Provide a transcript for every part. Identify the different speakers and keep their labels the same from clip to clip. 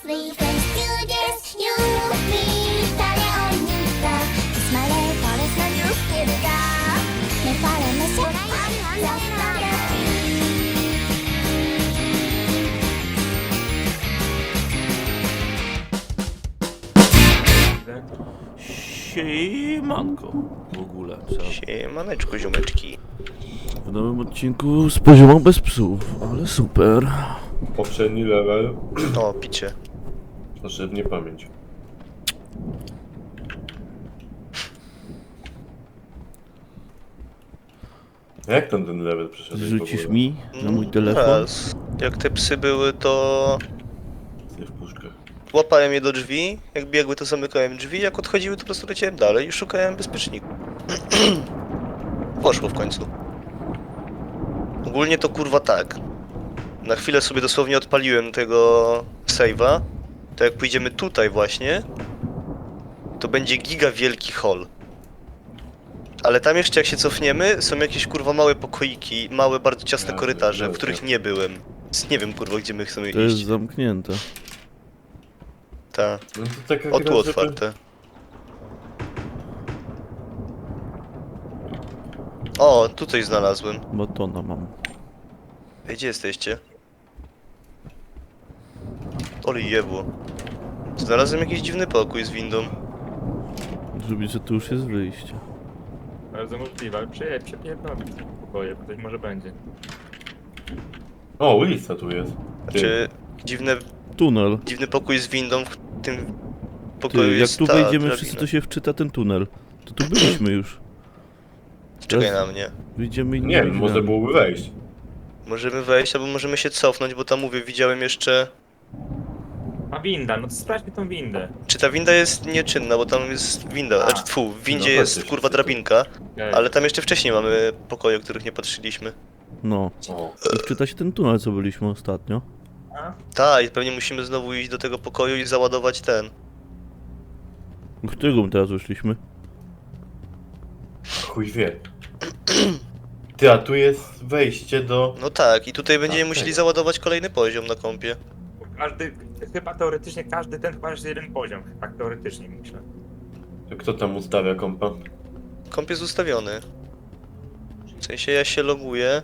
Speaker 1: three friends do this. You me,誰を見た Smile for usのニュースキルがねファレの世界ラストラ
Speaker 2: Siemanko w ogóle.
Speaker 3: Siemaneczku, ziomeczki.
Speaker 2: W nowym odcinku z poziomą bez psów, ale super.
Speaker 4: Poprzedni level,
Speaker 3: O, picie.
Speaker 4: proszę w niepamięć. Jak ten level przeszedł?
Speaker 2: Zrzucisz mi na mój telefon?
Speaker 3: Raz. Jak te psy były, to
Speaker 4: W puszkach.
Speaker 3: łapałem je do drzwi, jak biegły, to zamykałem drzwi, jak odchodziły, to po prostu leciałem dalej i szukałem bezpieczników. Poszło w końcu. Ogólnie to kurwa tak. Na chwilę sobie dosłownie odpaliłem tego save'a. To jak pójdziemy tutaj właśnie, to będzie giga wielki hall. Ale tam jeszcze jak się cofniemy, są jakieś kurwa małe pokoiki, małe, bardzo ciasne
Speaker 4: Ja
Speaker 3: korytarze, w
Speaker 4: wiem,
Speaker 3: których
Speaker 4: wiem.
Speaker 3: nie byłem. Więc nie wiem kurwa, gdzie my chcemy
Speaker 2: To jest
Speaker 3: iść.
Speaker 2: zamknięte.
Speaker 3: Ta.
Speaker 4: No to taka
Speaker 3: O,
Speaker 4: gra,
Speaker 3: tu
Speaker 4: żeby-
Speaker 3: otwarte. O, tutaj znalazłem.
Speaker 2: Batona mam.
Speaker 3: Ej, gdzie jesteście? Ole jebło. Znalazłem jakiś dziwny pokój z windą.
Speaker 2: Żeby, że tu już jest wyjście.
Speaker 5: Bardzo możliwe, ale przepierdolę w tym pokoje, bo coś może będzie.
Speaker 4: O, ulica tu jest. Ty,
Speaker 3: Czy
Speaker 2: Tunel.
Speaker 3: dziwny pokój z windą w tym pokoju
Speaker 2: Ty, jak
Speaker 3: jest
Speaker 2: tu
Speaker 3: ta
Speaker 2: wejdziemy
Speaker 3: drabina.
Speaker 2: wszyscy, to się wczyta ten tunel. To tu byliśmy już.
Speaker 3: Czekaj
Speaker 2: teraz-
Speaker 3: na mnie.
Speaker 2: Wyjdziemy i
Speaker 4: nie wiem, może
Speaker 2: drzwiami.
Speaker 4: byłoby wejść.
Speaker 3: Możemy wejść, albo możemy się cofnąć, bo tam mówię, widziałem jeszcze...
Speaker 5: A winda, no to sprawdźmy tą windę.
Speaker 3: Czy ta winda jest nieczynna, bo tam jest winda,
Speaker 5: A.
Speaker 3: znaczy tfu, w windzie
Speaker 4: No,
Speaker 3: jest
Speaker 4: patrzcie
Speaker 3: kurwa
Speaker 4: wszyscy.
Speaker 3: drabinka,
Speaker 5: Okej.
Speaker 3: ale tam jeszcze wcześniej mamy pokoje, o których nie patrzyliśmy.
Speaker 2: No.
Speaker 4: O,
Speaker 2: I wczyta się ten tunel, co byliśmy ostatnio.
Speaker 5: A?
Speaker 3: Tak, i pewnie musimy znowu iść do tego pokoju i załadować ten.
Speaker 2: W którego my teraz wyszliśmy?
Speaker 4: chuj wie. Ty, a tu jest wejście do...
Speaker 3: No tak, i tutaj będziemy
Speaker 4: Tak,
Speaker 3: musieli
Speaker 4: tego.
Speaker 3: załadować kolejny poziom na kompie.
Speaker 5: Bo chyba teoretycznie każdy ten chyba jest jeden poziom. Tak teoretycznie myślę.
Speaker 4: To kto tam ustawia kompa?
Speaker 3: Komp jest ustawiony. W sensie ja się loguję.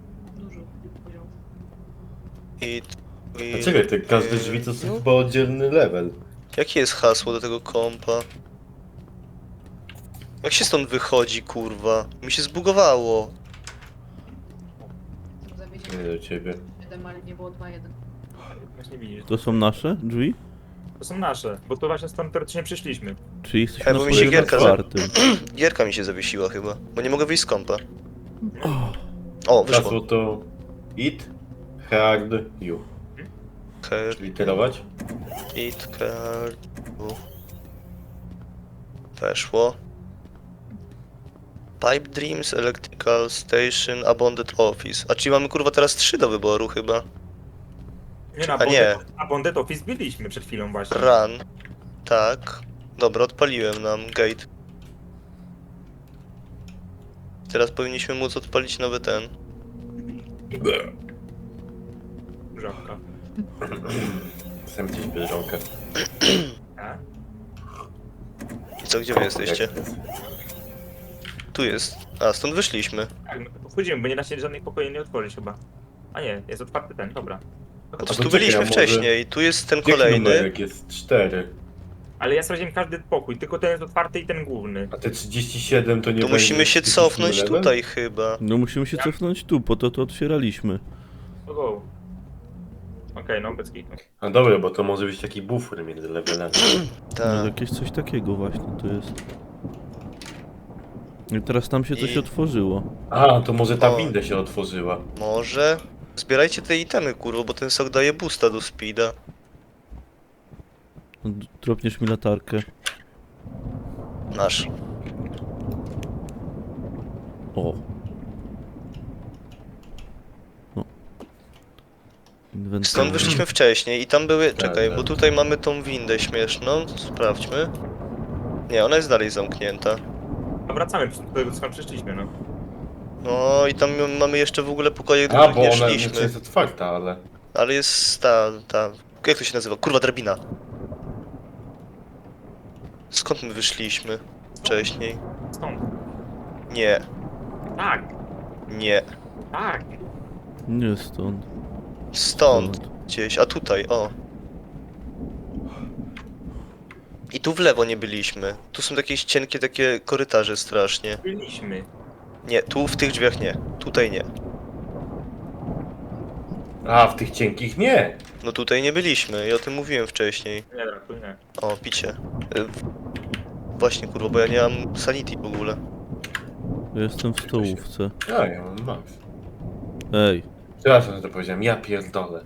Speaker 3: I...
Speaker 4: A czekaj, te każde drzwi to są chyba oddzielny level.
Speaker 3: Jakie jest hasło do tego kompa? Jak się stąd wychodzi, kurwa? Mi się zbugowało.
Speaker 4: Nie do ciebie.
Speaker 6: Ale nie było 2-1.
Speaker 5: Właśnie widzisz.
Speaker 2: To są nasze drzwi?
Speaker 5: To są nasze, bo to właśnie stąd teoretycznie przyszliśmy.
Speaker 2: Czyli jesteśmy
Speaker 3: Bo
Speaker 2: na
Speaker 3: mi się
Speaker 2: poziomie
Speaker 3: gierka
Speaker 2: czwartym.
Speaker 3: Gierka mi się zawiesiła chyba, bo nie mogę wyjść z kompa. O, wyszło.
Speaker 4: Hasło to... It, hard, you. Literować?
Speaker 3: It card. Weszło. Pipe Dreams, Electrical Station, Abandoned Office. A czyli mamy kurwa teraz 3 do wyboru chyba.
Speaker 5: Nie,
Speaker 3: A nie.
Speaker 5: A Bondet Office byliśmy przed chwilą właśnie.
Speaker 3: Run. Tak. Dobra, odpaliłem nam gate. Teraz powinniśmy móc odpalić nowy ten.
Speaker 5: Żabka.
Speaker 4: Chcę gdzieś bieżąkę.
Speaker 5: A?
Speaker 3: I co, gdzie wy jesteście? Tu jest. A, stąd wyszliśmy.
Speaker 5: Tak, no to wchodzimy, bo nie da się żadnych pokoi nie otworzyć chyba. A nie, jest otwarty ten, dobra.
Speaker 3: No
Speaker 4: A
Speaker 3: to
Speaker 4: to
Speaker 3: tu
Speaker 4: czekaj,
Speaker 3: byliśmy
Speaker 4: a może-
Speaker 3: wcześniej. Tu jest ten
Speaker 4: Jaki
Speaker 3: kolejny.
Speaker 4: numerek jest? 4.
Speaker 5: Ale ja sprawdziłem każdy pokój, tylko ten jest otwarty i ten główny.
Speaker 4: A te 37 to nie
Speaker 3: Tu
Speaker 4: będzie
Speaker 3: musimy się
Speaker 4: 37
Speaker 3: cofnąć
Speaker 4: level?
Speaker 3: tutaj chyba.
Speaker 2: No musimy się cofnąć tu, po to otwieraliśmy.
Speaker 5: To go. Okej, no bez kitu.
Speaker 4: A dobra, bo to może być taki bufor między levelami.
Speaker 2: No,
Speaker 3: Tak.
Speaker 2: jakieś coś takiego właśnie to jest. I teraz tam się coś
Speaker 3: I-
Speaker 4: A,
Speaker 2: otworzyło.
Speaker 4: to może ta
Speaker 3: O.
Speaker 4: winda się otworzyła.
Speaker 3: Może. Zbierajcie te itemy, kurwa, bo ten sok daje boosta do speeda.
Speaker 2: Dropniesz mi latarkę.
Speaker 3: Nasz.
Speaker 2: O. No. Inwentarz.
Speaker 3: Stąd wyszliśmy wcześniej i tam były... Czekaj,
Speaker 4: tak.
Speaker 3: bo tutaj mamy tą windę śmieszną. Sprawdźmy. Nie, ona jest dalej zamknięta.
Speaker 5: A wracamy do tego, skąd przyszliśmy, no.
Speaker 3: No i tam mamy jeszcze w ogóle pokoje, do
Speaker 4: A,
Speaker 3: których
Speaker 4: bo
Speaker 3: nie
Speaker 4: ona
Speaker 3: szliśmy.
Speaker 4: jest otwarta, ale...
Speaker 3: Ale jest ta Jak to się nazywa? Kurwa, drabina. Skąd my wyszliśmy wcześniej?
Speaker 5: Stąd.
Speaker 3: Nie,
Speaker 5: Tak,
Speaker 3: nie.
Speaker 5: tak.
Speaker 2: Nie stąd.
Speaker 3: Stąd gdzieś, a tutaj, o. I tu w lewo nie byliśmy. Tu są jakieś cienkie takie korytarze strasznie.
Speaker 5: Byliśmy.
Speaker 3: Nie, tu w tych drzwiach nie. Tutaj nie.
Speaker 4: A, w tych cienkich nie.
Speaker 3: No tutaj nie byliśmy i o tym mówiłem wcześniej.
Speaker 5: Nie, dobra, tu nie.
Speaker 3: O, picie. Właśnie kurwa, bo ja nie mam sanity w ogóle.
Speaker 2: Ja jestem w stołówce.
Speaker 4: A, ja mam max.
Speaker 2: Ej,
Speaker 4: Przepraszam, że to powiedziałem, ja pierdolę.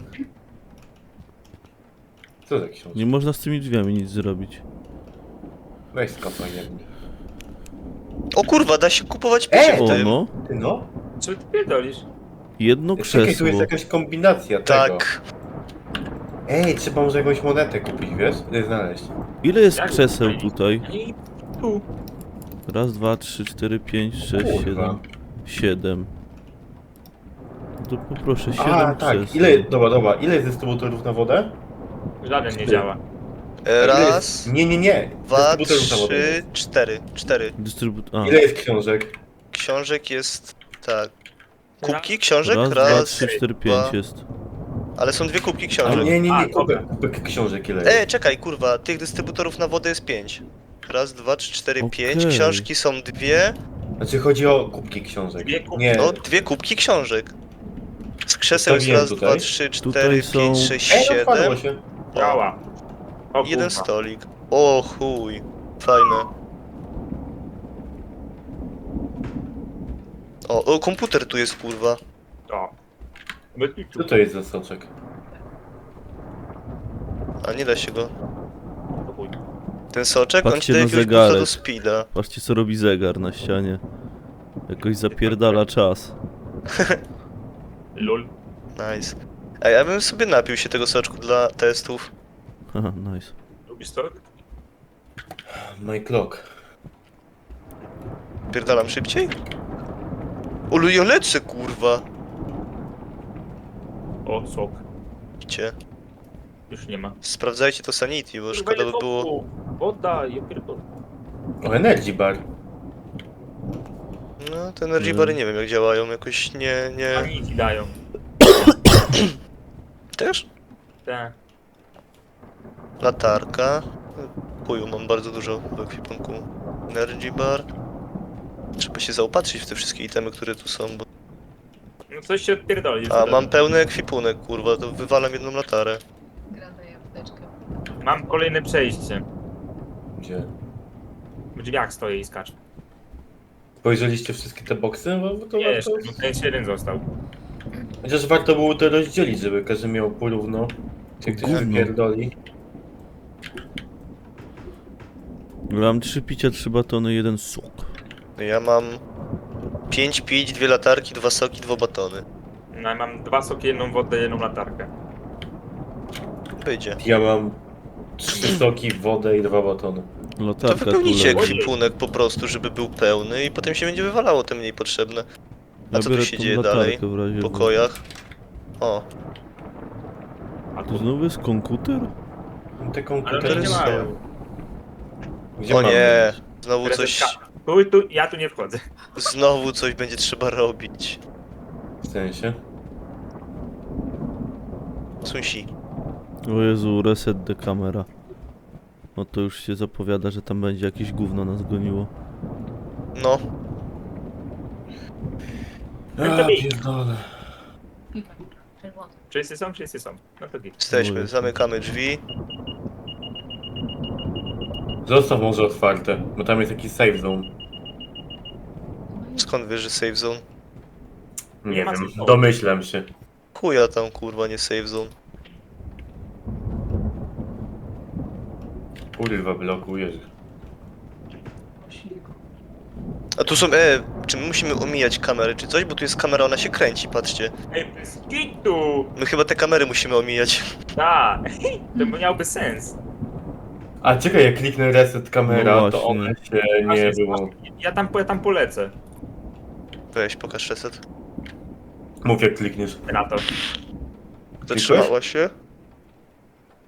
Speaker 4: Co za książka?
Speaker 2: nie można z tymi drzwiami nic zrobić.
Speaker 4: Weź skopaj jedni.
Speaker 3: O kurwa, da się kupować picie w
Speaker 2: O
Speaker 3: tym.
Speaker 2: no,
Speaker 4: Ty no?
Speaker 5: Co ty pierdolisz?
Speaker 2: jedno
Speaker 4: Czekaj, tu
Speaker 2: krzesło.
Speaker 4: jest jakaś kombinacja tego.
Speaker 3: Tak.
Speaker 4: Ej, trzeba może jakąś monetę kupić, wiesz? Znaleźć.
Speaker 2: Ile jest
Speaker 5: Jak
Speaker 2: krzeseł
Speaker 5: tutaj?
Speaker 2: tutaj?
Speaker 5: I tu.
Speaker 2: Raz, dwa, trzy, cztery, pięć, sześć,
Speaker 4: Kurwa.
Speaker 2: 7. No to poproszę 7
Speaker 4: A, tak.
Speaker 2: krzeseł.
Speaker 4: Dobra. Ile jest dystrybutorów na wodę?
Speaker 5: Żaden nie
Speaker 4: Ty.
Speaker 5: działa.
Speaker 4: Ile
Speaker 3: Raz,
Speaker 4: jest... Nie.
Speaker 3: dwa,
Speaker 4: Dystrybutorów na wodę
Speaker 3: trzy,
Speaker 4: jest.
Speaker 3: cztery.
Speaker 2: A,
Speaker 4: Ile jest książek?
Speaker 3: Książek jest... tak. Kubki książek?
Speaker 2: raz, dwa,
Speaker 3: Raz,
Speaker 2: 3, 4,
Speaker 3: dwa.
Speaker 2: 5 jest.
Speaker 3: Ale są dwie kubki
Speaker 4: A,
Speaker 3: książek.
Speaker 4: nie.
Speaker 5: A, dobra.
Speaker 4: Kubek książek ile jest?
Speaker 3: Czekaj, kurwa, tych dystrybutorów na wodę jest 5. Raz, dwa, trzy, cztery,
Speaker 2: Okej.
Speaker 3: 5. Książki są dwie.
Speaker 4: Znaczy chodzi o kubki książek.
Speaker 5: Dwie kubki.
Speaker 4: Nie.
Speaker 3: No, dwie kubki książek. Z krzeseł jest
Speaker 4: Ustawiłem
Speaker 3: raz,
Speaker 4: tutaj.
Speaker 3: dwa, trzy,
Speaker 2: Tutaj
Speaker 3: cztery,
Speaker 2: są-
Speaker 3: pięć, sześć,
Speaker 4: Ej, odpadło
Speaker 3: siedem.
Speaker 4: się.
Speaker 5: Działa. O,
Speaker 3: Jeden
Speaker 5: kurwa.
Speaker 3: stolik. O chuj. Fajne. O, komputer tu jest, kurwa.
Speaker 5: O. Bez kitu.
Speaker 4: Co to jest za soczek?
Speaker 3: A nie da się go.
Speaker 5: To chuj.
Speaker 3: Ten soczek, on ci
Speaker 2: Patrzcie
Speaker 3: daje
Speaker 2: na
Speaker 3: jakiegoś boosta
Speaker 2: zegarek.
Speaker 3: do speeda.
Speaker 2: Patrzcie co robi zegar na ścianie. Jakoś zapierdala czas.
Speaker 5: Lol.
Speaker 3: Nice. A ja bym sobie napił się tego soczku dla testów.
Speaker 2: Haha, nice.
Speaker 5: Lubisz to?
Speaker 4: My clock.
Speaker 3: Pierdalam szybciej? Olu, ja lecę, kurwa.
Speaker 5: O, sok.
Speaker 3: Widzicie?
Speaker 5: Już nie ma.
Speaker 3: Sprawdzajcie to sanity, bo szkoda by było...
Speaker 5: Woda, ja pierdolę.
Speaker 4: O, energy bar.
Speaker 3: No, te energy bary nie wiem jak działają, jakoś nie...
Speaker 5: Ani ci dają.
Speaker 3: Też?
Speaker 5: Tak.
Speaker 3: Latarka. Chuju, mam bardzo dużo w ekwipunku. Energy bar. Trzeba się zaopatrzyć w te wszystkie itemy, które tu są, bo...
Speaker 5: No coś się odpierdoli.
Speaker 3: A, mam pełny ekwipunek, kurwa, to wywalam jedną latarę.
Speaker 6: Gra daje apteczkę.
Speaker 5: Mam kolejne przejście.
Speaker 4: Gdzie?
Speaker 5: W drzwiach stoję i skaczę.
Speaker 4: Spojrzeliście wszystkie te boksy? Bo to
Speaker 5: Nie, jeszcze,
Speaker 4: warto...
Speaker 5: bo ten jeden został.
Speaker 4: Chociaż warto było to rozdzielić, żeby każdy miał porówno. Czy ktoś
Speaker 2: Gówno.
Speaker 4: wypierdoli.
Speaker 2: Mam 3 picia, 3 batony, 1 sok.
Speaker 3: Ja mam 5 pić, 2 latarki, 2 soki, 2 batony.
Speaker 5: No, ja mam 2 soki, 1 wodę, 1 latarkę.
Speaker 3: Wyjdzie.
Speaker 4: Ja mam 3 soki, wodę i 2 batony.
Speaker 3: To
Speaker 2: Latarka tu
Speaker 3: wypełnijcie
Speaker 2: leży.
Speaker 3: ekwipunek po prostu, żeby był pełny i potem się będzie wywalało te mniej potrzebne. A co tu
Speaker 2: biorę
Speaker 3: się
Speaker 2: tą
Speaker 3: dzieje
Speaker 2: latarkę
Speaker 3: dalej?
Speaker 2: w razie
Speaker 3: W pokojach? O,
Speaker 5: A
Speaker 2: To
Speaker 5: tu...
Speaker 2: znowu jest komputer?
Speaker 4: Te
Speaker 5: Ale
Speaker 4: komputery
Speaker 5: oni nie
Speaker 3: są.
Speaker 5: mają.
Speaker 4: Gdzie
Speaker 3: o
Speaker 4: mamy
Speaker 3: nie!
Speaker 4: iść?
Speaker 3: Znowu coś...
Speaker 5: Ja tu nie wchodzę.
Speaker 3: Znowu coś będzie trzeba robić.
Speaker 4: W sensie?
Speaker 3: Sunsi.
Speaker 2: O Jezu, reset the camera. No to już się zapowiada, że tam będzie jakieś gówno nas goniło.
Speaker 3: No,
Speaker 4: A, pierdolę.
Speaker 6: Czerwony.
Speaker 5: Wszyscy są? Wszyscy są. No to git.
Speaker 3: jesteśmy,
Speaker 2: Oj.
Speaker 3: zamykamy drzwi.
Speaker 4: Zostaw może otwarte, bo tam jest jakiś save zone.
Speaker 3: Skąd wiesz, że save zone?
Speaker 4: Nie
Speaker 5: Nie ma
Speaker 4: wiem,
Speaker 5: save zone.
Speaker 4: domyślam się.
Speaker 3: Chuja tam, kurwa, nie save zone.
Speaker 4: Kurwa, blokujesz.
Speaker 3: A tu są, czy my musimy omijać kamery czy coś? Bo tu jest kamera, ona się kręci, patrzcie.
Speaker 5: Ej, bez kitu!
Speaker 3: My chyba te kamery musimy omijać.
Speaker 5: Tak, to miałby sens.
Speaker 4: A czekaj, jak kliknę reset kamera,
Speaker 2: No
Speaker 4: to
Speaker 2: właśnie.
Speaker 4: one się nie było.
Speaker 5: Ja tam polecę.
Speaker 3: Weź, pokaż reset.
Speaker 4: Mów jak klikniesz.
Speaker 5: Na to.
Speaker 3: Zatrzymała się.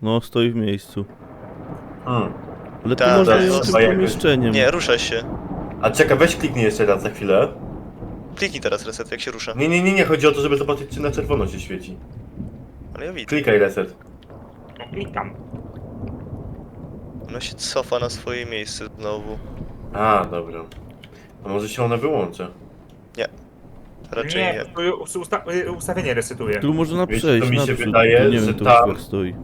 Speaker 2: No, stoi w miejscu.
Speaker 4: Hmm.
Speaker 2: Ale tu
Speaker 3: Tak,
Speaker 2: można
Speaker 3: tak,
Speaker 2: ją
Speaker 3: no,
Speaker 2: tym
Speaker 4: chyba jakoś-
Speaker 2: pomieszczeniem.
Speaker 3: Nie, rusza się.
Speaker 4: A czekaj, weź kliknij jeszcze raz za chwilę.
Speaker 3: Kliknij teraz reset, jak się rusza.
Speaker 4: Nie, chodzi o to, żeby zobaczyć, czy na czerwono się świeci.
Speaker 3: Ale ja widzę.
Speaker 4: Klikaj reset.
Speaker 5: No klikam.
Speaker 3: Ona się cofa na swoje miejsce znowu.
Speaker 4: A, dobra. A może się ona wyłączy?
Speaker 3: Raczej nie.
Speaker 5: Nie, to ustawienie resetuje.
Speaker 2: Tu można
Speaker 4: Wiecie,
Speaker 2: przejść
Speaker 4: to mi się
Speaker 2: naprzód,
Speaker 4: wydaje,
Speaker 2: to nie
Speaker 4: że
Speaker 2: wiem, to
Speaker 4: tam-
Speaker 2: już jak stoi.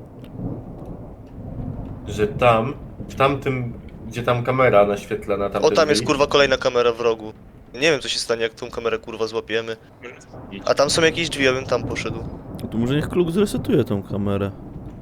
Speaker 4: Że tam, w tamtym, gdzie tam kamera naświetlana, tam.
Speaker 3: O, tam jest kurwa kolejna kamera w rogu. Nie wiem co się stanie, jak tą kamerę kurwa złapiemy. A tam są jakieś drzwi, ja bym tam poszedł.
Speaker 2: To może niech Kluk zresetuje tą kamerę.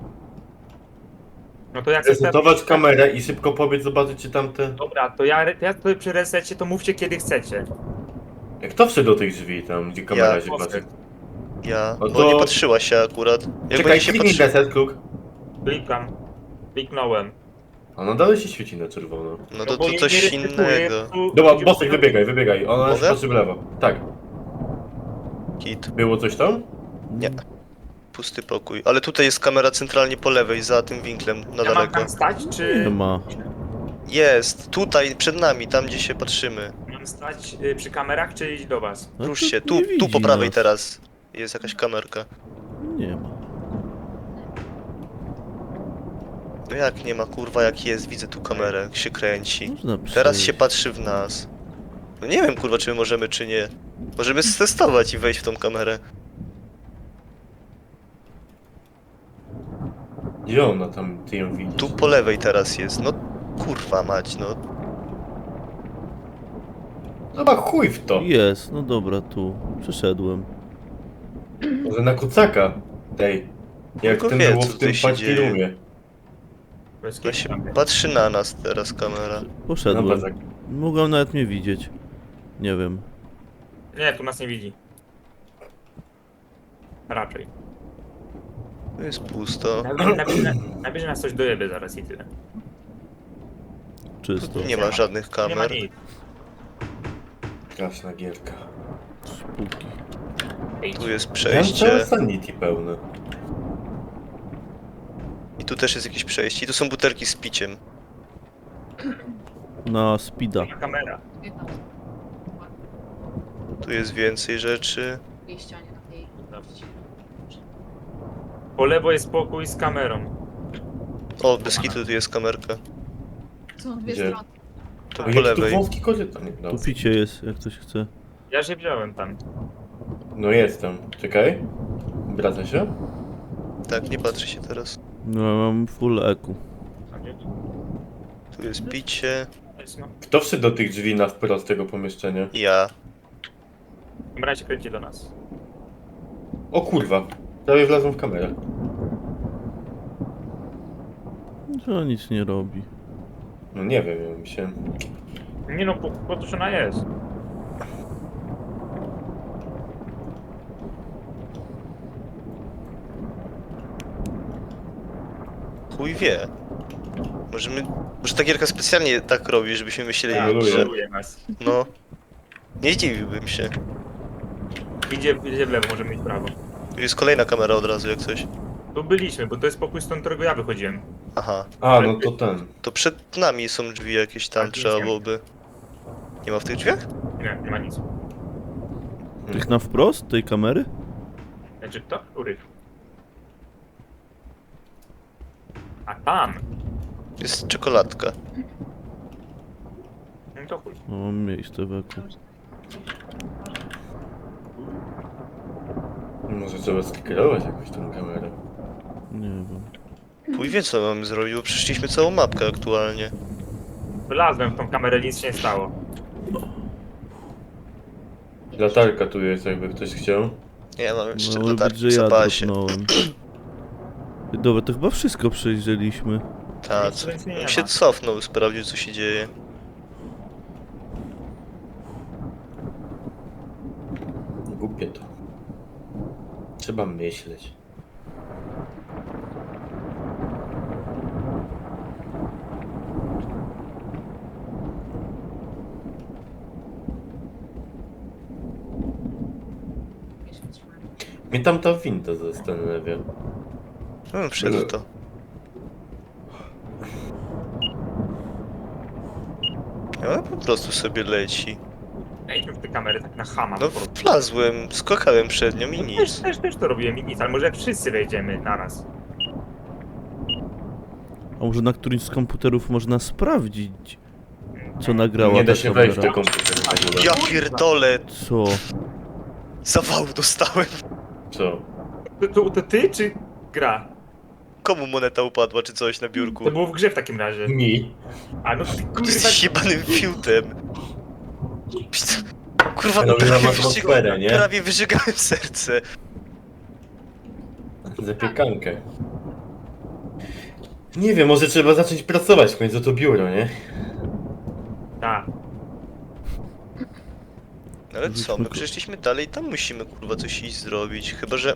Speaker 5: No to jak
Speaker 4: Resetować kamerę i szybko pobiec zobaczyć, czy tamte.
Speaker 5: Dobra, to ja tutaj przy resecie to mówcie kiedy chcecie.
Speaker 4: Jak to wszedł do tych drzwi tam, gdzie kamera
Speaker 3: Ja.
Speaker 4: się patrzy?
Speaker 3: Ja,
Speaker 4: No
Speaker 3: bo
Speaker 4: to-
Speaker 3: nie patrzyła się akurat. Jak
Speaker 4: Czekaj,
Speaker 3: będzie się
Speaker 4: kliknij
Speaker 3: patrzy...
Speaker 4: reset, kluk.
Speaker 5: Klikam. Kliknąłem.
Speaker 4: A no dalej się świeci na czerwono.
Speaker 3: No to,
Speaker 5: bo
Speaker 3: to
Speaker 5: nie
Speaker 3: coś
Speaker 5: resetuje,
Speaker 3: innego.
Speaker 5: tu-
Speaker 4: Dobra, Bosek, wybiegaj. Ona się
Speaker 3: Mogę?
Speaker 4: patrzy w lewo. Tak.
Speaker 3: Kit.
Speaker 4: Było coś tam?
Speaker 3: Nie. Pusty pokój. Ale tutaj jest kamera centralnie po lewej, za tym winklem, na
Speaker 5: Ja mam
Speaker 3: daleko.
Speaker 5: tam stać,
Speaker 2: Nie
Speaker 5: czy
Speaker 2: ma.
Speaker 3: Jest, tutaj, przed nami, tam gdzie się patrzymy.
Speaker 5: mam stać przy kamerach, czy iść do was?
Speaker 2: No
Speaker 3: Rusz
Speaker 2: to
Speaker 3: się,
Speaker 2: nie
Speaker 3: tu po
Speaker 2: widzi
Speaker 3: prawej
Speaker 2: nas.
Speaker 3: teraz. Jest jakaś kamerka.
Speaker 2: Nie ma.
Speaker 3: No jak nie ma, kurwa, jak jest, widzę tu kamerę, jak się kręci.
Speaker 2: Można przejść.
Speaker 3: Teraz się patrzy w nas. No nie wiem, kurwa, czy my możemy, czy nie. Możemy stestować i wejść w tą kamerę.
Speaker 4: Gdzie ona tam, ty ją widzisz?
Speaker 3: Tu po lewej teraz jest, no kurwa mać, no.
Speaker 4: Dobra, chuj w to.
Speaker 2: Jest, no dobra, tu. Przeszedłem.
Speaker 4: Może na kucaka. Tej. Jak
Speaker 3: Tylko
Speaker 4: ten
Speaker 3: wie,
Speaker 4: było
Speaker 3: co
Speaker 4: w
Speaker 3: tutaj
Speaker 4: tym
Speaker 3: się
Speaker 4: paczki
Speaker 3: dzieje.
Speaker 4: rumie.
Speaker 5: Bez
Speaker 3: No się
Speaker 5: kitu.
Speaker 3: patrzy na nas teraz kamera.
Speaker 2: Poszedłem.
Speaker 4: Dobra, tak.
Speaker 2: Mogą nawet mnie widzieć. Nie wiem.
Speaker 5: Nie, tu nas nie widzi. Raczej.
Speaker 3: Tu jest pusto.
Speaker 5: Nabierze nas coś dojebie zaraz i tyle.
Speaker 2: Czysto.
Speaker 3: Nie ma żadnych
Speaker 5: Nie ma
Speaker 3: kamer.
Speaker 5: nic.
Speaker 4: Straszna gierka.
Speaker 2: Spółki.
Speaker 3: Tu jest
Speaker 4: Ja mam
Speaker 3: przejście.
Speaker 4: całe sanity pełne.
Speaker 3: I tu też jest jakieś przejście. I tu są butelki z piciem.
Speaker 2: Na speeda.
Speaker 5: Kamera.
Speaker 6: Jedna osoba.
Speaker 3: Tu jest więcej rzeczy.
Speaker 6: W tej ścianie na tej.
Speaker 5: Po lewo jest pokój z kamerą.
Speaker 3: O, bez kitu tu jest kamerka.
Speaker 6: Są dwie
Speaker 4: Gdzie?
Speaker 6: strony.
Speaker 3: Tu
Speaker 4: O,
Speaker 3: po
Speaker 4: jaki
Speaker 3: lewej.
Speaker 4: tu wąski korytarz. Nie,
Speaker 2: Tu
Speaker 4: dobra.
Speaker 2: picie jest, jak ktoś chce.
Speaker 5: Ja się wziąłem tam.
Speaker 4: No jestem. Czekaj. Wraca się?
Speaker 3: Tak, nie patrzy się teraz.
Speaker 2: No ja mam full eku.
Speaker 5: A gdzie?
Speaker 3: Tu jest picie.
Speaker 5: Jest, no.
Speaker 4: Kto wszedł do tych drzwi na wprost tego pomieszczenia?
Speaker 3: Ja.
Speaker 5: Kamera się kręci do nas.
Speaker 4: O kurwa. Prawie wlazłem w kamerę.
Speaker 2: To nic nie robi.
Speaker 4: No nie wiem, ja mi się...
Speaker 5: Nie no, po to, że ona jest.
Speaker 3: Chuj wie. Może ta gierka specjalnie tak robi, żebyśmy myśleli,
Speaker 4: Ja
Speaker 3: że...
Speaker 5: Troluje nas.
Speaker 3: No. Nie zdziwiłbym się.
Speaker 5: Idzie w lewo, możemy iść w prawo.
Speaker 3: Tu jest kolejna kamera od razu, jak coś.
Speaker 5: Tu byliśmy, bo to jest pokój, stąd którego ja wychodziłem.
Speaker 3: Aha.
Speaker 4: A, no to ten.
Speaker 3: To przed nami są drzwi jakieś tam,
Speaker 5: Tak,
Speaker 3: trzeba
Speaker 5: nic nie ma.
Speaker 3: byłoby... Nie ma w tych drzwiach?
Speaker 5: Nie ma nic.
Speaker 2: Tych na wprost tej kamery?
Speaker 5: Znaczy kto? Których? A tam!
Speaker 3: Jest czekoladka.
Speaker 5: No to chuj.
Speaker 2: No mam miejsce w eku.
Speaker 4: Może trzeba skierować jakoś tą kamerę.
Speaker 2: Nie wiem.
Speaker 3: Chuj wie co mamy zrobić, bo przeszliśmy całą mapkę aktualnie.
Speaker 5: Wylazłem w tą kamerę, nic się nie stało.
Speaker 4: Latarka tu jest, jakby ktoś chciał.
Speaker 3: Nie, mam jeszcze
Speaker 2: No ale
Speaker 3: latarki
Speaker 2: że
Speaker 3: w
Speaker 2: ja
Speaker 3: zapasie.
Speaker 2: dropnąłem. Dobra, to chyba wszystko przejrzeliśmy.
Speaker 3: Tak,
Speaker 5: Nic nie
Speaker 3: bym
Speaker 5: ma.
Speaker 3: się cofnął, sprawdził co się dzieje.
Speaker 4: Głupie to. Trzeba myśleć. Mnie tam ta winda zastanawia.
Speaker 3: Wszedł to. Ale po prostu sobie leci.
Speaker 5: Wejdźmy w te kamery tak na chama.
Speaker 3: No
Speaker 5: po prostu.
Speaker 3: wlazłem, skakałem przed nią i
Speaker 5: No
Speaker 3: nic.
Speaker 5: też to robiłem i nic, ale może jak wszyscy wejdziemy naraz.
Speaker 2: A może na którymś z komputerów można sprawdzić, co nagrała
Speaker 4: Nie da
Speaker 2: ta
Speaker 4: się wejść do
Speaker 2: kamera?
Speaker 4: komputera w ogóle.
Speaker 3: Ja pierdolę,
Speaker 2: Co?
Speaker 3: zawału dostałem.
Speaker 4: Co?
Speaker 5: To ty czy gra?
Speaker 3: Komu moneta upadła czy coś na biurku?
Speaker 5: To było w grze w takim razie.
Speaker 4: Mi.
Speaker 5: A no ty
Speaker 3: Ty
Speaker 5: kurwa...
Speaker 3: jesteś jebanym fiutem. Kurwa,
Speaker 4: Robię nam
Speaker 3: prawie,
Speaker 4: atmosferę, nie?
Speaker 3: prawie wyżygałem serce.
Speaker 4: Zapiekankę. Nie wiem, może trzeba zacząć pracować w końcu to biuro, nie?
Speaker 5: Tak.
Speaker 3: Ale co, my przeszliśmy dalej, tam musimy kurwa coś iść zrobić. Chyba, że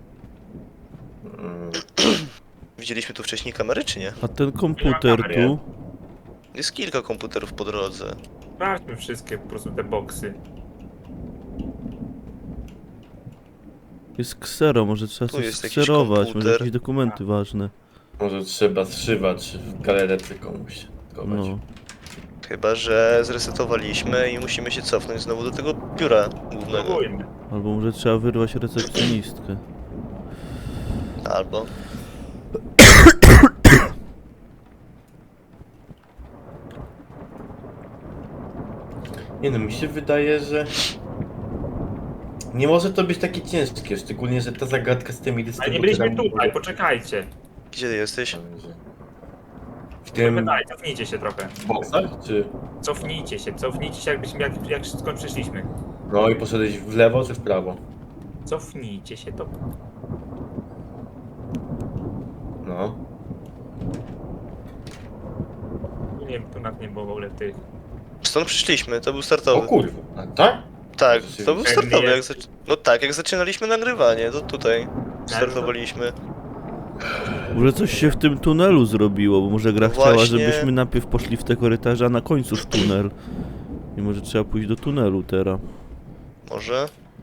Speaker 4: Mm.
Speaker 3: widzieliśmy tu wcześniej kamery, czy nie?
Speaker 2: A ten komputer
Speaker 5: kamer,
Speaker 2: tu?
Speaker 3: Jest kilka komputerów po drodze.
Speaker 5: Sprawdźmy wszystkie po prostu te boksy.
Speaker 2: Jest ksero, może trzeba
Speaker 3: Tu
Speaker 2: coś
Speaker 3: jest jakiś
Speaker 2: skserować, może
Speaker 3: komputer.
Speaker 2: jakieś dokumenty ważne.
Speaker 4: Może trzeba zszywać w galerece komuś. schować.
Speaker 2: No.
Speaker 3: Chyba, że zresetowaliśmy i musimy się cofnąć znowu do tego biura głównego.
Speaker 5: Próbujmy.
Speaker 2: Albo może trzeba wyrwać recepcjonistkę.
Speaker 3: Albo...
Speaker 4: Nie no, mi się wydaje, że... Nie może to być takie ciężkie, szczególnie, że ta zagadka z tymi
Speaker 5: Ale nie byliśmy
Speaker 4: dystrybutorami...
Speaker 5: tutaj, poczekajcie.
Speaker 3: Gdzie ty jesteś?
Speaker 4: W tym...
Speaker 5: Daj, cofnijcie się trochę.
Speaker 4: boksach, czy...
Speaker 5: Cofnijcie się jakbyśmy, jak skąd przyszliśmy.
Speaker 4: No i poszedłeś w lewo, czy w prawo?
Speaker 5: Cofnijcie się to.
Speaker 4: No.
Speaker 5: Nie, tu nad nie było w ogóle tych.
Speaker 3: Stąd przyszliśmy, to był
Speaker 4: O
Speaker 3: startowy.
Speaker 4: kurwa, a tak?
Speaker 3: Tak, to był
Speaker 5: Pewnie
Speaker 3: startowy. Jak
Speaker 5: jest.
Speaker 3: no tak, jak zaczynaliśmy nagrywanie, to tutaj startowaliśmy.
Speaker 2: Może coś się w tym tunelu zrobiło, bo może gra
Speaker 3: No
Speaker 2: chciała,
Speaker 3: właśnie.
Speaker 2: żebyśmy najpierw poszli w te korytarze, a na końcu w tunel. I może trzeba pójść do tunelu teraz.
Speaker 3: Może?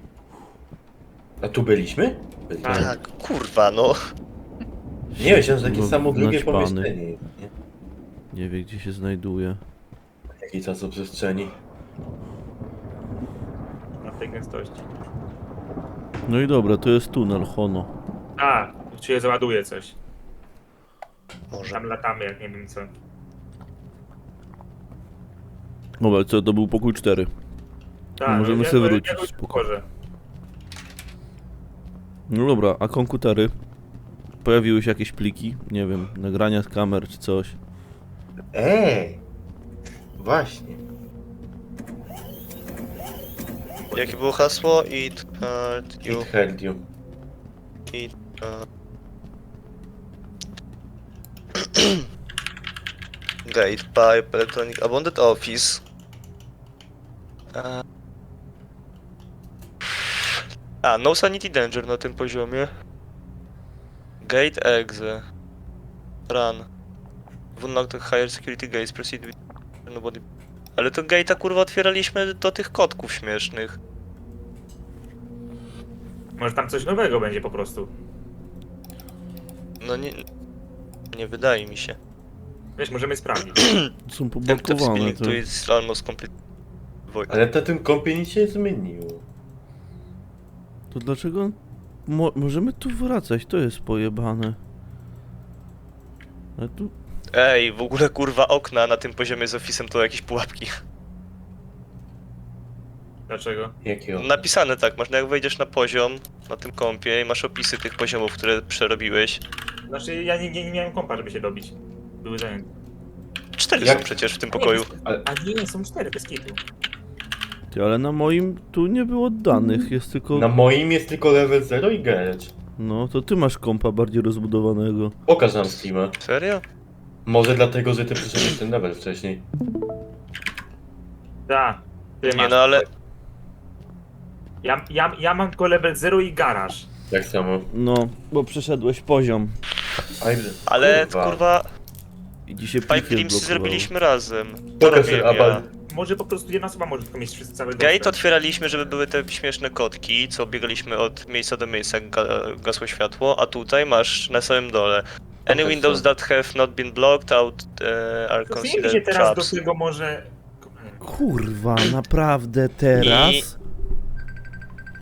Speaker 4: A tu byliśmy? Byliśmy.
Speaker 5: Tak.
Speaker 3: Tak, kurwa no.
Speaker 4: Nie, myślałem, że takie
Speaker 2: No,
Speaker 4: samo drugie
Speaker 2: naćpany.
Speaker 4: pomieszczenie. Nie?
Speaker 2: Nie wie gdzie się znajduje.
Speaker 4: Jakiej czasoprzestrzeni.
Speaker 5: Na tej gęstości.
Speaker 2: No i dobra, to jest tunel, Hono.
Speaker 5: A, tu się załaduje coś.
Speaker 3: Może.
Speaker 5: Tam latamy, jak nie wiem co.
Speaker 2: Dobra, co to był pokój 4.
Speaker 5: Tak,
Speaker 2: Możemy
Speaker 5: ja-
Speaker 2: sobie
Speaker 5: ja-
Speaker 2: wrócić,
Speaker 5: ja go
Speaker 2: spoko.
Speaker 5: otworzę.
Speaker 2: No dobra, a komputery? Pojawiły się jakieś pliki? Nie wiem, nagrania z kamer czy coś.
Speaker 4: Właśnie.
Speaker 3: Jakie było hasło? It hurt you.
Speaker 4: It heard you.
Speaker 3: It Gate, pipe, electronic, abandoned office. No sanity danger na tym poziomie. Gate exe. Run. Unlock the higher security gates, proceed with nobody. Ale to gate'a kurwa otwieraliśmy do tych kotków śmiesznych.
Speaker 5: Może tam coś nowego będzie po prostu.
Speaker 3: No nie... Nie wydaje mi się.
Speaker 5: Wiesz, możemy sprawdzić.
Speaker 2: Są
Speaker 3: Ten
Speaker 2: poblokowane
Speaker 3: spinning
Speaker 2: te.
Speaker 3: to jest almost complete. Void.
Speaker 4: Ale na tym kompie nic się nie zmieniło.
Speaker 2: To dlaczego... możemy tu wracać, to jest pojebane. Ale tu...
Speaker 3: Ej, w ogóle kurwa okna na tym poziomie z Office'em to jakieś pułapki.
Speaker 5: Dlaczego?
Speaker 4: Jakiego?
Speaker 3: Napisane tak, masz jak wejdziesz na poziom na tym kompie i masz opisy tych poziomów, które przerobiłeś.
Speaker 5: Znaczy, ja nie miałem kompa, żeby się dobić. Były zajęte.
Speaker 3: 4
Speaker 4: Jak?
Speaker 3: są przecież w tym pokoju.
Speaker 5: A nie, są 4, bez kitu.
Speaker 2: Ty, ale na moim tu nie było danych, jest tylko...
Speaker 4: Na moim jest tylko level 0 i garage.
Speaker 2: No, to ty masz kompa bardziej rozbudowanego.
Speaker 4: Pokaż nam Steama.
Speaker 3: Serio?
Speaker 4: Może dlatego, że ty przyszedłeś ten level wcześniej.
Speaker 5: Tak. Ty
Speaker 3: Nie
Speaker 5: masz.
Speaker 3: no, ale...
Speaker 5: Ja mam tylko level 0 i garaż.
Speaker 4: Tak samo.
Speaker 2: No, bo przeszedłeś poziom.
Speaker 3: Ale kurwa...
Speaker 2: I dzisiaj
Speaker 3: Pipe
Speaker 2: plikiem
Speaker 3: Dreams
Speaker 2: blokowało.
Speaker 3: zrobiliśmy razem. To
Speaker 4: Pokaż
Speaker 3: robiłem
Speaker 4: ten
Speaker 3: ja.
Speaker 4: abal.
Speaker 5: Może po prostu jedna osoba może tylko mieć wszyscy cały
Speaker 3: Gate
Speaker 5: dostęp.
Speaker 3: otwieraliśmy, żeby były te śmieszne kotki, co biegaliśmy od miejsca do miejsca, jak gasło światło, a tutaj masz na samym dole. Any
Speaker 4: Pokaż
Speaker 3: windows
Speaker 4: to.
Speaker 3: that have not been blocked out are
Speaker 5: Cofnijmy się
Speaker 3: considered
Speaker 5: teraz
Speaker 3: traps.
Speaker 5: do tego może...
Speaker 2: Kurwa, naprawdę teraz?